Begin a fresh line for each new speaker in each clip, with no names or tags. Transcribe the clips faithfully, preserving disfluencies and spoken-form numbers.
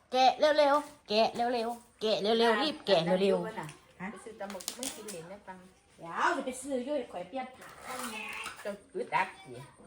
แกะเร็วๆแกะเร็วๆแกะเร็วๆรีบแกะเร็วๆ
ฮะไปซื้อตำบักไม่กินเหรียญได้ปัง
เดี๋ยวจะไปซื้อยุ่ยข่อยเปลี่ยนผ้า
จะอึดอัดสิ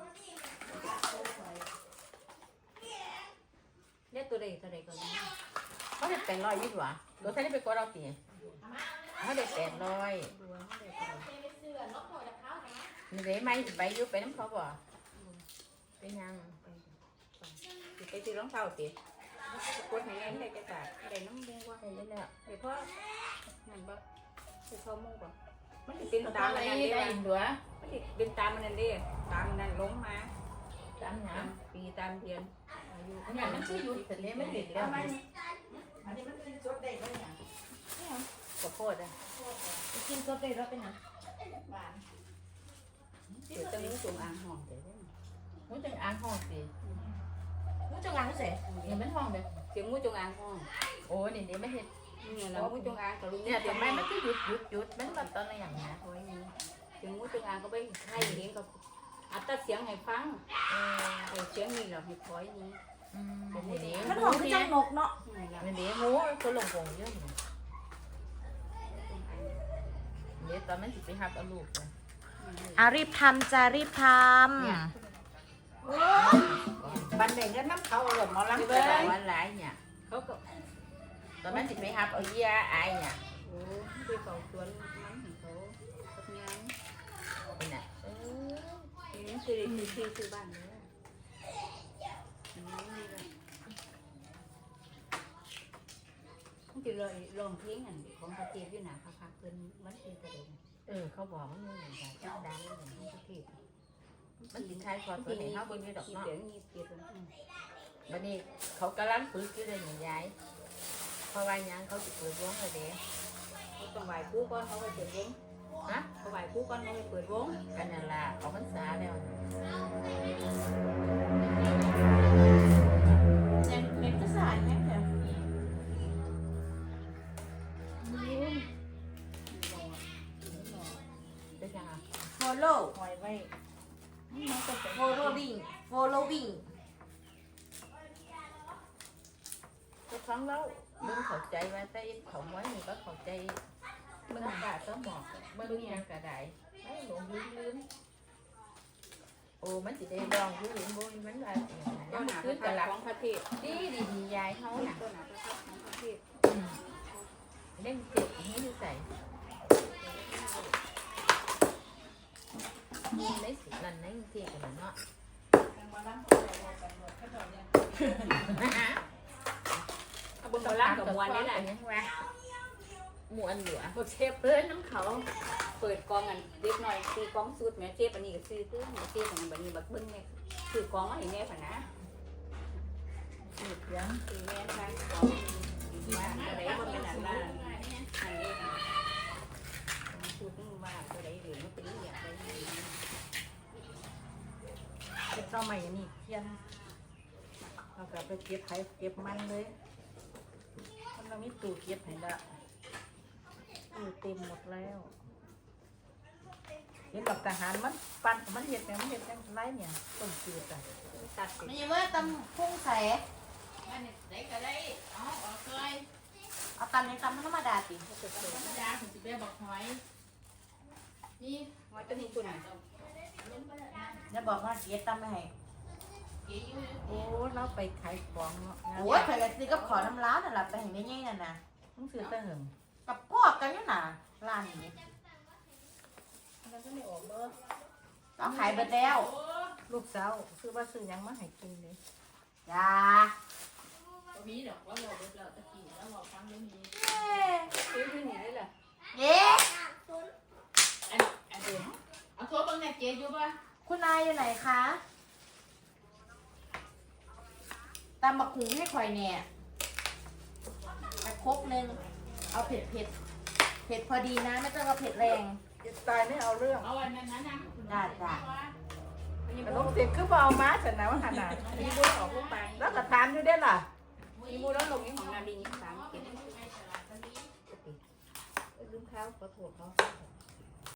เนี่ยตัวใดตัวใดก่อน
เขาได้แปดร้อยยี่สิบวะรถไทยได้ไปกดเราตีเขาได้แปดร้อย
ดูว่าเขาได้ตัวใด
นี่ได้ไหมไปยุบไปน้ำเขาบ่เป็นยัง
สิไปซื้อรองเท้าสิกดให้แรงได้จะขาดได้น้ำมูกว่า
ได้แล้ว
ไอ้พ่อนั่นบ่ไอ้พ่อมูกบ่มันสิเป็นตามมันนั่น
ได้
เด้
ดัว
มันสิเป็นตามมันนั่นเด้ตามนั่นลงมา
ตามหยัง
ตามปีตามเดือนอายุ
อันนั้นมันชื่อยุดแต่เนี้ยมันเด็กแล้ว
อันนี้มันเป็นจดได้เลยเนี่ย
ขอโทษอ่ะ
กินจดได้แล้วเป็นไงหวาน
เดี๋ยวจะมีสูงอ่างห้องเดี๋ยวได้
มันจังอ่างห้องสิ
รู้จังงานเสร็จ
นี่มันห้องเด้อ
เสียงงูจงอางห้อง
โอ้นี่นี่ไม่เห็น
นี่แหละงูจงอางกับลุง
เนี่ยทำไมมันก็หยุดหยุดหยุดมันแบบตอนอะไรอย่างเงี้ย
โอ้ยนี่เสียงงูจงอางก็ไปให้เลี้ยงกับอัตราเสียงให้ฟัง
เออ
ไอ้เสียงนี่แหละให้คอยนี้
อืมนี่นี่
มันหอมคือจังนกเนาะ
นี่แหละ
นี่นี่งูก็ลงวงเยอะอยู่นี่ตอนมันสิไปหับเอาลูกเลย
อ่ะรีบทำจะรีบท
เนี่ย
บันเด็กก็น้ำเขาหล่นหมอ
ที่
ลำ
บ้า
เกิ
น
น
วันหลายเนี่ย
เขาก็
ตอนมันสิไปหับเอาเยี่ยอายเนี่ย
โอ้ไปเฝ้าสวนมันของเขาสักงาน
เป็นน่ะเออ
นี่คือคือคือคือบ้านเนี้ยมันจะลอยลองเพลงอันของประเทศอยู่หนาค่ะเพิ่นมันเป็นกระเด็น
เออเขาบอกว่ามันเหมือนกันดังดังเหมือนที่ประเทศมันสินค้ายพอตัวไหนเขาบนนี้ดอก
ขีด
เนาะ
เสียงมีเกียรติ
วันนี้เขากำลังฝึกอยู่เลยหนึ่งยายเพราะว่ายังเขาจะเปิดวงเลยเด้
เขาต้องไหว้ครูก่อนเขาไปเปิดวง
ฮะ
เขาไหว้ครูก่อนเขาไปเปิดวง
กันนั่นล่ะเอาพรรษาแล้ว
ำยังเป็นกระสายไหมเดี๋ยว
เป็นยังไง
follow
หอยไว้
following following
ทุกครั้งแล้วมึงเข้าใจว่าแต่เขาไว้นี่ก็เข้าใจมึงกาต้องบอกมึงยังกระไดไม่หลงลืมลืมโอ้มันสิได้ลองอยู่ลืมบุญมันว่า
เจ้าหน้า
ขึ้นกระลับ
ของประเทศ
ดีดีดียายเขาน่ะ
เจ้าหน้าของประเทศ
เล่นเจ็บให้ดูใส่ในสุดนั่นในเที่ยกันเนาะ
เอาบนบนล่างกับมวนนี่แหละ
ยังว่าหมวนเหลือ
พวกเชฟเพื่อนน้ำเขาเปิดกองกันเล็กหน่อยตีกองสูตรแม่เชฟอันนี้ก็ซื้อตื้อเชฟอันนี้บัดนี้บักเบิ้งเนี่ยซื้อกองมาให้แม่ผ่ะนะ
สูตรยัง
ซื้อแม่ทางกองมาตัวใดบ่เป็นอันละอันนี้สูตรนึงว่าตัวใดเหลือมันเป็นอย่างไร
เก็บเจ้าใหม่นี่เทียนเรากลับไปเก็บไข่เก็บมันเลยมันเรามีตู้เก็บให้ละตู้เต็มหมดแล้วเห็นกับทหารมันปั่นมันเห็ดเนี่ยมันเห็ดยังไรเนี่ยต้มจืดอ่ะ
ตัดสิ
มันยังว่าตำพุ่งใส่
ได้ก็ได้อ๋อออกเลย
เอาตำในตำธรรมดาสิ
ธรรมดาถึงจะไปบอกหอยนี่
หอยตัวนี้ตัวไหน
อย่าบอกว่าเกียรตำไม่ให้
เกี่ยว
โอ้เราไปขายของเนาะ
โอ้ยเคยกันสิก็ขอน้ำร้านน่ะล่ะไปเห็นไม่แย่งนั่นนะ
ต้องซื้อแต่หึง
กับพ่อกันนี่น่ะร้านนี้
มันก็ไม่ออกเบอร์
เอาขายไปแล้ว
ลูกสาวซื้อว่าซื้อยังมาให้กินเลย
จ้า
มีดอกว่าเราเบิดเราตะกี้แล้วเราฟังเรื่องนี้
ซื้อที่นี่ได้แหละ
เย้
อันอันเดียวเอาโทรบังเนี่ยเจ๊อยู่ป่ะ
คุณนายอยู่ไหนคะตำบักหุงให้ข่อยเนี่ยไปครกหนึ่งเอาเผ็ดเผ็ดเผ็ดพอดีนะไม่ต้องเอาเผ็ดแรง
จะตายไม่เอาเรื่อง
เอาวันนั้นนะ
ได้จ้ะ
กระลงเสร็จคือบ่เอามาเสร็จนะว่าขนาดมีบุญออกลูกไปแล้วก็ทานอยู่ได้ล่ะ
มีมูแล้วลงนี้ของนาดีนี่สามเก็บลืมข้าวขอโทษเขา